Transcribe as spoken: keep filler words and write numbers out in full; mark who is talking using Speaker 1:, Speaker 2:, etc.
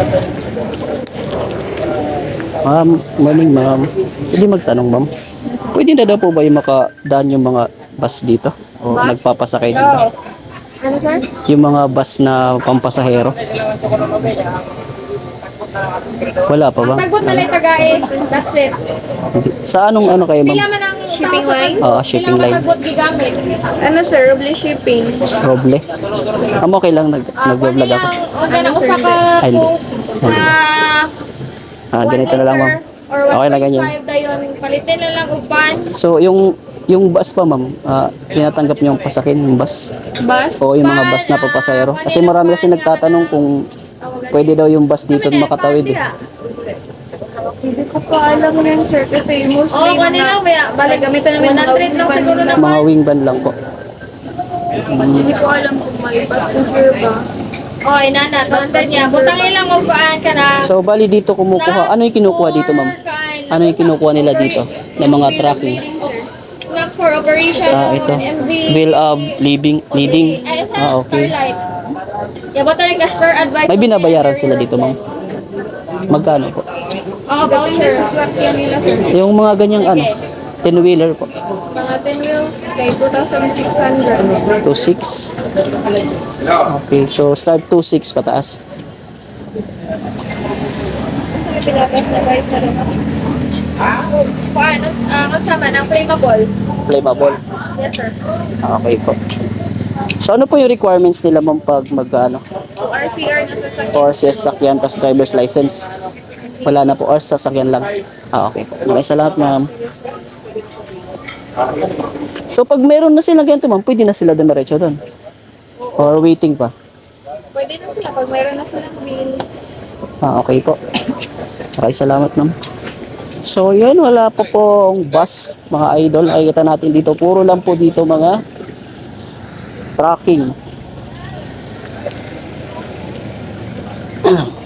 Speaker 1: Ma'am, morning ma'am. Pwede magtanong ma'am. Pwede na daw po ba yung makadaan yung mga bus dito? O
Speaker 2: Bus?
Speaker 1: nagpapasakay din ba?
Speaker 2: Ano, sir?
Speaker 1: Yung mga bus na pampasahero? Wala pa ba?
Speaker 2: Tagbot na lang tagae. That's it.
Speaker 1: Sa anong ano kayo
Speaker 2: Pila
Speaker 1: ma'am?
Speaker 2: man ang
Speaker 3: Shipping line?
Speaker 1: Oo, shipping
Speaker 2: Pila man
Speaker 1: line.
Speaker 2: tagbot gigamit.
Speaker 3: Ano sir, Roble Shipping?
Speaker 1: Roble? Am okay lang, nag
Speaker 2: Ah,
Speaker 1: nag-vlog
Speaker 2: kunin
Speaker 1: ako.
Speaker 2: lang, o ganang usa ka
Speaker 1: Ay, hindi.
Speaker 2: po na
Speaker 1: Ah, ganito na lang ma'am.
Speaker 2: or
Speaker 1: Okay na ganyan.
Speaker 2: one point five dayon. Palitin na lang upan.
Speaker 1: So yung yung bus pa ma'am, ah, tinatanggap niyo yung pasakin yung bus?
Speaker 3: Bus?
Speaker 1: O yung mga bus na papasahero? Kasi marami kasi nagtatanong kung pwede daw yung bus dito makatawid eh.
Speaker 3: Hindi ko pa alam yan sir kasi mostly
Speaker 2: Oo, kunin lang ba? Balik
Speaker 3: gamitan namin
Speaker 2: one hundred lang siguro
Speaker 1: Mga
Speaker 2: naman.
Speaker 1: wing van lang po.
Speaker 3: Hindi ko alam kung may passenger ba.
Speaker 2: Oh, inana, basta niya. Butang ilang og kuan ka na.
Speaker 1: So bali dito kumukuha. Ano yung kinukuha dito ma'am? Ano yung kinukuha nila dito? Ng mga tracking?
Speaker 2: Snacks for operation.
Speaker 1: Ah, ito.
Speaker 2: M V.
Speaker 1: Bill of living, leading.
Speaker 2: Ay, sa
Speaker 1: Ah, okay.
Speaker 2: Starlight. Yeah, butang yung Casper advice.
Speaker 1: May binabayaran sila dito ma'am? Magkano po?
Speaker 2: Oh, voucher.
Speaker 3: Sa swakyan nila sir.
Speaker 1: Yung mga ganyang ano? ten-wheeler po.
Speaker 3: Mga ten wheels kay two thousand six hundred.
Speaker 1: two six. Okay, so start two six pataas.
Speaker 2: Sa pinatas na guys na rin. Paano? Ah, kung sama ng flammable.
Speaker 1: Flammable.
Speaker 2: Yes, sir.
Speaker 1: Okay po. So ano po yung requirements nila ma'am pag mag ano?
Speaker 3: R C R na sasakyan.
Speaker 1: Or sa sasakyan tas driver's license? Wala na po, or sasakyan lang. Ah, okay po. Maraming salamat ma'am. So pag meron na silang ganito ma'am, pwede na sila dumiretso doon? Or waiting pa?
Speaker 3: Pwede na sila pag mayroon na silang bill.
Speaker 1: Ah, okay po. Maraming salamat ma'am. So yun, wala po pong bus mga idol. Ay kita natin dito, puro lang po dito mga tracking.